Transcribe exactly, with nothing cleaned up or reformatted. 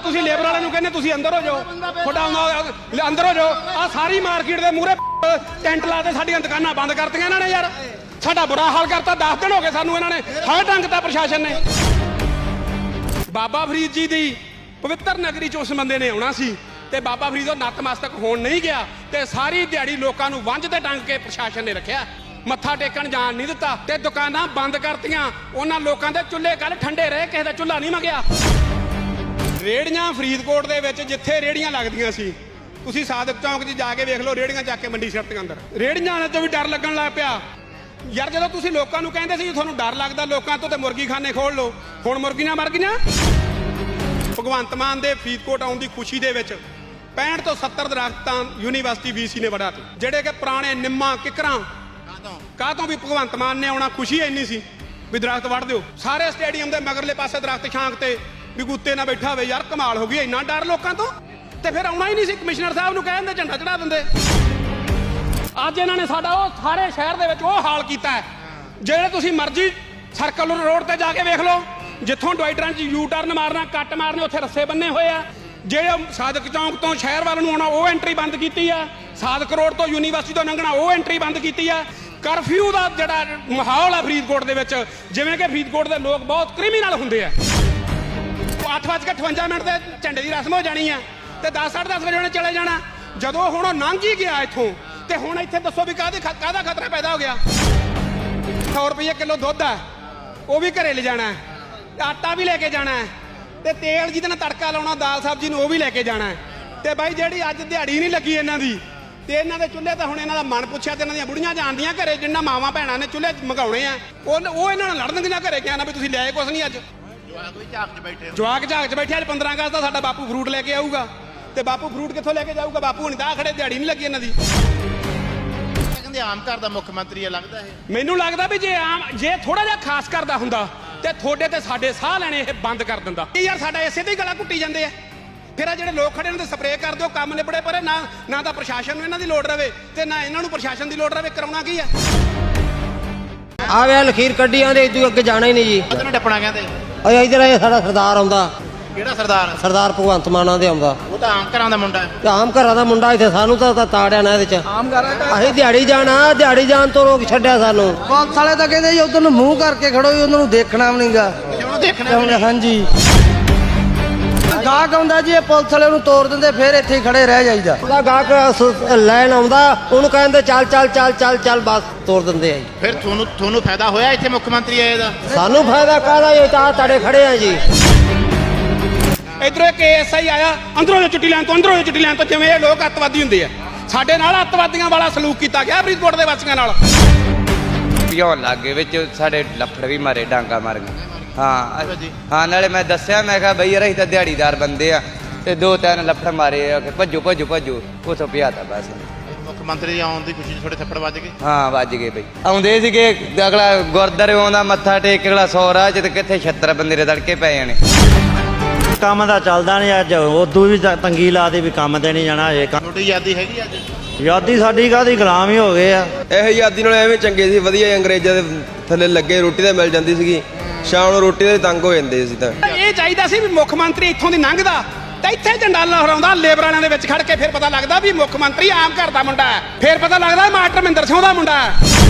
ਤੁਸੀਂ ਲੇਬਰ ਵਾਲਿਆਂ ਨੂੰ ਕਹਿੰਦੇ ਤੁਸੀਂ ਅੰਦਰ ਹੋ ਜਾਓ, ਤੁਹਾਡਾ ਆਉਂਦਾ ਅੰਦਰ ਹੋ ਜਾਓ। ਆ ਸਾਰੀ ਮਾਰਕੀਟ ਦੇ ਮੂਹਰੇ ਟੈਂਟ ਲਾ ਕੇ ਸਾਡੀਆਂ ਦੁਕਾਨਾਂ ਬੰਦ ਕਰਤੀਆਂ ਇਹਨਾਂ ਨੇ ਯਾਰ। ਸਾਡਾ ਬੁਰਾ ਹਾਲ ਕਰਤਾ। ਦਸ ਦਿਨ ਹੋ ਗਏ ਸਾਨੂੰ ਇਹਨਾਂ ਨੇ ਹਰ ਢੰਗ ਦਾ ਪ੍ਰਸ਼ਾਸਨ ਨੇ। ਬਾਬਾ ਫਰੀਦ ਜੀ ਦੀ ਪਵਿੱਤਰ ਨਗਰੀ 'ਚ ਉਸ ਬੰਦੇ ਨੇ ਆਉਣਾ ਸੀ ਤੇ ਬਾਬਾ ਫਰੀਦ ਉਹ ਨਤਮਸਤਕ ਹੋਣ ਨਹੀਂ ਗਿਆ ਤੇ ਸਾਰੀ ਦਿਹਾੜੀ ਲੋਕਾਂ ਨੂੰ ਵੰਝ ਤੇ ਟੰਗ ਕੇ ਪ੍ਰਸ਼ਾਸਨ ਨੇ ਰੱਖਿਆ। ਮੱਥਾ ਟੇਕਣ ਜਾਣ ਨਹੀਂ ਦਿੱਤਾ ਤੇ ਦੁਕਾਨਾਂ ਬੰਦ ਕਰਤੀਆਂ। ਉਹਨਾਂ ਲੋਕਾਂ ਦੇ ਚੁੱਲ੍ਹੇ ਕੱਲ ਠੰਡੇ ਰਹੇ, ਕਿਸੇ ਦਾ ਚੁੱਲ੍ਹਾ ਨਹੀਂ ਮੰਗਿਆ। ਰੇੜੀਆਂ ਫਰੀਦਕੋਟ ਦੇ ਵਿੱਚ ਜਿੱਥੇ ਰੇੜੀਆਂ ਲੱਗਦੀਆਂ ਸੀ, ਤੁਸੀਂ ਸਾਦਕ ਚੌਂਕ 'ਚ ਜਾ ਕੇ ਵੇਖ ਲਓ, ਰੇੜੀਆਂ ਚੱਕ ਕੇ ਮੰਡੀ ਸਿੱਟਦੀਆਂ ਅੰਦਰ। ਰੇੜੀਆਂ ਤੋਂ ਵੀ ਡਰ ਲੱਗਣ ਲੱਗ ਪਿਆ ਯਾਰ। ਜਦੋਂ ਤੁਸੀਂ ਲੋਕਾਂ ਨੂੰ ਕਹਿੰਦੇ ਸੀ ਤੁਹਾਨੂੰ ਡਰ ਲੱਗਦਾ ਲੋਕਾਂ ਤੋਂ ਤੇ ਮੁਰਗੀ ਖਾਨੇ ਖੋਲ ਲਓ, ਹੁਣ ਮੁਰਗੀਆਂ ਮਰ ਗਈਆਂ। ਭਗਵੰਤ ਮਾਨ ਦੇ ਫਰੀਦਕੋਟ ਆਉਣ ਦੀ ਖੁਸ਼ੀ ਦੇ ਵਿੱਚ ਪੈਂਹਠ ਤੋਂ ਸੱਤਰ ਦਰਖਤਾਂ ਯੂਨੀਵਰਸਿਟੀ ਵੀਸੀ ਨੇ ਵੜਾ ਤੇ, ਜਿਹੜੇ ਕਿ ਪੁਰਾਣੇ ਨਿੰਮਾਂ ਕਿਕਰਾਂ ਕਾਹ ਤੋਂ ਵੀ ਭਗਵੰਤ ਮਾਨ ਨੇ ਆਉਣਾ ਖੁਸ਼ੀ ਇੰਨੀ ਸੀ ਵੀ ਦਰਖਤ ਵੱਢ ਦਿਓ। ਸਾਰੇ ਸਟੇਡੀਅਮ ਦੇ ਮਗਰਲੇ ਪਾਸੇ ਦਰਖਤ ਛਾਂਕ ਤੇ ਵੀ ਗੁੱਤੇ ਨਾ ਬੈਠਾ ਹੋਵੇ। ਯਾਰ ਕਮਾਲ ਹੋ ਗਈ, ਇੰਨਾ ਡਰ ਲੋਕਾਂ ਤੋਂ। ਤੇ ਫਿਰ ਆਉਣਾ ਹੀ ਨਹੀਂ ਸੀ। ਕਮਿਸ਼ਨਰ ਸਾਹਿਬ ਨੂੰ ਕਹਿੰਦੇ ਝੰਡਾ ਚੜਾ ਦਿੰਦੇ। ਅੱਜ ਇਹਨਾਂ ਨੇ ਸਾਡਾ ਉਹ ਸਾਰੇ ਸ਼ਹਿਰ ਦੇ ਵਿੱਚ ਉਹ ਹਾਲ ਕੀਤਾ ਹੈ। ਜਿਹੜੇ ਤੁਸੀਂ ਮਰਜ਼ੀ ਸਰਕਲ ਰੋਡ ਤੇ ਜਾ ਕੇ ਵੇਖ ਲਓ, ਜਿੱਥੋਂ ਡਿਵਾਈਡਰਾਂ 'ਚ ਯੂ ਟਰਨ ਮਾਰਨਾ, ਕੱਟ ਮਾਰਨੇ, ਉੱਥੇ ਰੱਸੇ ਬੰਨੇ ਹੋਏ ਆ। ਜਿਹੜੇ ਸਾਦਕ ਚੌਂਕ ਤੋਂ ਸ਼ਹਿਰ ਵੱਲ ਨੂੰ ਆਉਣਾ ਉਹ ਐਂਟਰੀ ਬੰਦ ਕੀਤੀ ਆ। ਸਾਦਕ ਰੋਡ ਤੋਂ ਯੂਨੀਵਰਸਿਟੀ ਤੋਂ ਲੰਘਣਾ ਉਹ ਐਂਟਰੀ ਬੰਦ ਕੀਤੀ ਆ। ਕਰਫਿਊ ਦਾ ਜਿਹੜਾ ਮਾਹੌਲ ਆ ਫਰੀਦਕੋਟ ਦੇ ਵਿੱਚ, ਜਿਵੇਂ ਕਿ ਫਰੀਦਕੋਟ ਦੇ ਲੋਕ ਬਹੁਤ ਕ੍ਰਿਮੀਨਲ ਹੁੰਦੇ ਆ। ਅੱਠ ਵੱਜ ਕੇ ਅਠਵੰਜਾ ਮਿੰਟ ਦੇ ਝੰਡੇ ਦੀ ਰਸਮ ਹੋ ਜਾਣੀ ਆ ਤੇ ਦਸ ਸਾਢੇ ਦਸ ਵਜੇ ਉਹਨੇ ਚਲੇ ਜਾਣਾ। ਜਦੋਂ ਹੁਣ ਉਹ ਲੰਘ ਹੀ ਗਿਆ ਇੱਥੋਂ ਤੇ ਹੁਣ ਇੱਥੇ ਦੱਸੋ ਵੀ ਕਾਹਦੇ ਕਾਹਦਾ ਖਤਰਾ ਪੈਦਾ ਹੋ ਗਿਆ। ਸੌ ਰੁਪਏ ਕਿਲੋ ਦੁੱਧ ਆ, ਉਹ ਵੀ ਘਰੇ ਲੈ ਜਾਣਾ, ਆਟਾ ਵੀ ਲੈ ਕੇ ਜਾਣਾ ਤੇ ਤੇਲ ਜਿਹਦੇ ਨਾਲ ਤੜਕਾ ਲਾਉਣਾ ਦਾਲ ਸਬਜ਼ੀ ਨੂੰ ਉਹ ਵੀ ਲੈ ਕੇ ਜਾਣਾ। ਤੇ ਬਾਈ ਜਿਹੜੀ ਅੱਜ ਦਿਹਾੜੀ ਨਹੀਂ ਲੱਗੀ ਇਹਨਾਂ ਦੀ ਤੇ ਇਹਨਾਂ ਦੇ ਚੁੱਲ੍ਹੇ ਤਾਂ ਹੁਣ ਇਹਨਾਂ ਦਾ ਮਨ ਪੁੱਛਿਆ ਤੇ ਇਹਨਾਂ ਦੀਆਂ ਬੁੜੀਆਂ ਜਾਣਦੀਆਂ ਘਰੇ, ਜਿੰਨਾ ਮਾਵਾਂ ਭੈਣਾਂ ਨੇ ਚੁੱਲ੍ਹੇ ਮੰਗਾਉਣੇ ਆ ਉਹ ਉਹ ਇਹਨਾਂ ਨਾਲ ਲੜਨਗੀਆਂ ਘਰੇ ਗਿਆ ਨਾ ਵੀ ਤੁਸੀਂ ਲਿਆਏ ਕੁਛ ਨਹੀਂ। ਅੱਜ ਜਵਾਕ ਝਾਕ 'ਚ ਬੈਠੇ। ਅੱਜ ਪੰਦਰਾਂ ਅਗਸਤ ਦਾ ਸਾਡਾ ਬਾਪੂ ਫਰੂਟ ਲੈ ਕੇ ਆਊਗਾ ਤੇ ਬਾਪੂ ਫਰੂਟ ਕਿੱਥੋਂ ਲੈ ਕੇ ਜਾਊਗਾ? ਬਾਪੂ ਹੁਣ ਤਾਂ ਖੜੇ, ਦਿਹਾੜੀ ਨਹੀਂ ਲੱਗੀ ਇਹਨਾਂ ਦੀ। ਕਹਿੰਦੇ ਆਮ ਘਰ ਦਾ ਮੁੱਖ ਮੰਤਰੀ ਆ ਲੱਗਦਾ ਇਹ। ਮੈਨੂੰ ਲੱਗਦਾ ਵੀ ਜੇ ਆਮ ਜੇ ਥੋੜਾ ਜਿਹਾ ਖਾਸ ਕਰਦਾ ਹੁੰਦਾ ਤੇ ਤੁਹਾਡੇ ਤੇ ਸਾਡੇ ਸਾਹ ਲੈਣੇ ਇਹ ਬੰਦ ਕਰ ਦਿੰਦਾ। ਯਾਰ ਸਾਡਾ ਇਸੇ ਤੇ ਹੀ ਗਲਾ ਘੁੱਟੀ ਜਾਂਦੇ ਆ। ਫਿਰ ਆ ਜਿਹੜੇ ਲੋਕ ਖੜੇ ਨੇ ਤੇ ਸਪਰੇਅ ਕਰ ਦਿਓ, ਕੰਮ ਨਿਬੜੇ ਪਰੇ। ਨਾ ਨਾ ਤਾਂ ਪ੍ਰਸ਼ਾਸਨ ਨੂੰ ਇਹਨਾਂ ਦੀ ਲੋੜ ਰਵੇ ਤੇ ਨਾ ਇਹਨਾਂ ਨੂੰ ਪ੍ਰਸ਼ਾਸਨ ਦੀ ਲੋੜ ਰਵੇ। ਕਰਾਉਣਾ ਕੀ ਆ? ਆ ਵੇ ਲਖੀਰ ਕੱਢੀ ਆਂਦੇ ਇਦੋਂ ਅੱਗੇ ਜਾਣਾ ਹੀ ਨਹੀਂ ਜੀ। ਉਹਨੂੰ ਟੱਪਣਾ ਕਹਿੰਦੇ। ਓਏ ਇਧਰ ਇਹ ਸਾਡਾ ਸਰਦਾਰ ਆਉਂਦਾ। ਕਿਹੜਾ ਸਰਦਾਰ? ਸਰਦਾਰ ਭਗਵੰਤ ਮਾਨਾਂ ਦੇ ਆਉਂਦਾ। ਉਹ ਤਾਂ ਆਮ ਘਰਾਂ ਦਾ ਮੁੰਡਾ ਹੈ। ਤੇ ਆਮ ਘਰਾਂ ਦਾ ਮੁੰਡਾ। ਇੱਥੇ ਸਾਨੂੰ ਤਾਂ ਤਾੜਿਆ ਨਾ ਇਹਦੇ ਚ। ਆਮ ਘਰਾਂ ਅਸੀਂ ਦਿਹਾੜੀ ਜਾਣਾ, ਦਿਹਾੜੀ ਜਾਣ ਤੋਂ ਰੋਕ ਛੱਡਿਆ ਸਾਨੂੰ। ਪੁਲਿਸ ਵਾਲੇ ਤਾਂ ਕਹਿੰਦੇ ਜੀ ਉਧਰ ਨੂੰ ਮੂੰਹ ਕਰਕੇ ਖੜੋ ਜੀ, ਉਹਨਾਂ ਨੂੰ ਦੇਖਣਾ ਵੀ ਨਹੀਂਗਾ। ਉਹਨੂੰ ਦੇਖਣਾ ਹਾਂਜੀ ਗਾਹਕ ਆਉਂਦਾ ਜੀ, ਇਹ ਪੁਲਿਸ ਵਾਲੇ ਨੂੰ ਤੋੜ ਦਿੰਦੇ, ਫਿਰ ਇੱਥੇ ਹੀ ਖੜੇ ਰਹਿ ਜਾਈਦਾ। ਉਹਦਾ ਗਾਹਕ ਲੈਣ ਆਉਂਦਾ, ਉਹਨੂੰ ਕਹਿੰਦੇ ਚੱਲ ਚੱਲ ਚੱਲ ਚੱਲ ਚੱਲ, ਬਸ ਤੋੜ ਦਿੰਦੇ ਆ ਜੀ। ਫਿਰ ਤੁਹਾਨੂੰ ਤੁਹਾਨੂੰ ਫਾਇਦਾ ਹੋਇਆ ਇੱਥੇ ਮੁੱਖ ਮੰਤਰੀ ਆਏ ਦਾ? ਸਾਨੂੰ ਫਾਇਦਾ ਕਾਹਦਾ? ਇਹ ਤਾਂ ਤਾੜੇ ਖੜੇ ਆ ਜੀ। ਇਧਰੋਂ ਇੱਕ ਐਸ ਆਈ ਆਇਆ, ਅੰਦਰੋਂ ਜੋ ਚੁੱਟੀ ਲੈਣ ਤੋਂ ਅੰਦਰੋਂ ਜੋ ਚੁੱਟੀ ਲੈਣ ਤੋਂ, ਜਿਵੇਂ ਇਹ ਲੋਕ ਅੱਤਵਾਦੀ ਹੁੰਦੇ ਆ। ਸਾਡੇ ਨਾਲ ਅੱਤਵਾਦੀਆਂ ਵਾਲਾ ਸਲੂਕ ਕੀਤਾ ਗਿਆ ਫਰੀਦਕੋਟ ਦੇ ਵਾਸੀਆਂ ਨਾਲ। ਪਿਉਣ ਲੱਗੇ ਵਿੱਚ ਸਾਡੇ ਲੱਫੜ ਵੀ ਮਾਰੇ, ਡਾਂਗਾ ਮਾਰ ਗਏ। ਹਾਂ ਹਾਂ ਨਾਲੇ ਮੈਂ ਦੱਸਿਆ, ਮੈਂ ਕਿਹਾ ਬਈ ਯਾਰ ਅਸੀਂ ਤਾਂ ਦਿਹਾੜੀਦਾਰ ਬੰਦੇ ਆ ਤੇ ਦੋ ਤਿੰਨ ਲੱਫੜ ਮਾਰੇ ਆ ਕਿ ਭੱਜੋ ਭੱਜੋ ਭੱਜੋ, ਉਥੋਂ ਪਿਆ ਤਾ ਬਸ। ਮੁੱਖ ਮੰਤਰੀ ਦੀ ਆਉਣ ਦੀ ਖੁਸ਼ੀ 'ਚ ਥੋੜੇ ਥੱਪੜ ਵੱਜ ਗਏ। ਹਾਂ ਵੱਜ ਗਏ ਬਈ। ਆਉਂਦੇ ਸੀਗੇ, ਅਗਲਾ ਗੁਰਦਾਰੇ ਆਉਂਦਾ ਮੱਥਾ ਟੇਕ, ਅਗਲਾ ਸੌ ਰਾਹ 'ਚ ਤੇ ਕਿੱਥੇ ਛੱਤਰ ਬੰਦੇ ਦੇ ਤੜਕੇ ਪੈ ਜਾਣੇ। ਕੰਮ ਦਾ ਚੱਲਦਾ ਨਹੀਂ ਅੱਜ, ਉਦੋਂ ਵੀ ਤੰਗੀ ਲਾ ਦੀ ਵੀ ਕੰਮ ਤੇ ਨਹੀਂ ਜਾਣਾ। ਇਹ ਤੁਹਾਡੀ ਯਾਦੀ ਹੈਗੀ ਅੱਜ? ਯਾਦੀ ਸਾਡੀ ਕਾਹਦੀ, ਗੁਲਾਮ ਹੀ ਹੋ ਗਏ ਆ। ਇਹ ਯਾਦੀ ਨਾਲ ਐਵੇਂ ਚੰਗੇ ਸੀ, ਵਧੀਆ ਅੰਗਰੇਜ਼ਾਂ ਦੇ ਥੱਲੇ ਲੱਗੇ, ਰੋਟੀ ਤਾਂ ਮਿਲ ਜਾਂਦੀ ਸੀਗੀ, ਸ਼ਾਮ ਨੂੰ ਰੋਟੀ ਦੇ ਤੰਗ ਹੋ ਜਾਂਦੇ ਸੀ। ਤਾਂ ਇਹ ਚਾਹੀਦਾ ਸੀ ਵੀ ਮੁੱਖ ਮੰਤਰੀ ਇੱਥੋਂ ਦੀ ਲੰਘਦਾ ਤੇ ਇੱਥੇ ਝੰਡਾ ਲਹਿਰਾਉਂਦਾ ਲੇਬਰ ਵਾਲਿਆਂ ਦੇ ਵਿੱਚ ਖੜ ਕੇ। ਫਿਰ ਪਤਾ ਲੱਗਦਾ ਵੀ ਮੁੱਖ ਮੰਤਰੀ ਆਮ ਘਰ ਦਾ ਮੁੰਡਾ ਹੈ। ਫਿਰ ਪਤਾ ਲੱਗਦਾ ਮਾਸਟਰ ਮਹਿੰਦਰ ਸਿੰਘ ਦਾ ਮੁੰਡਾ ਹੈ।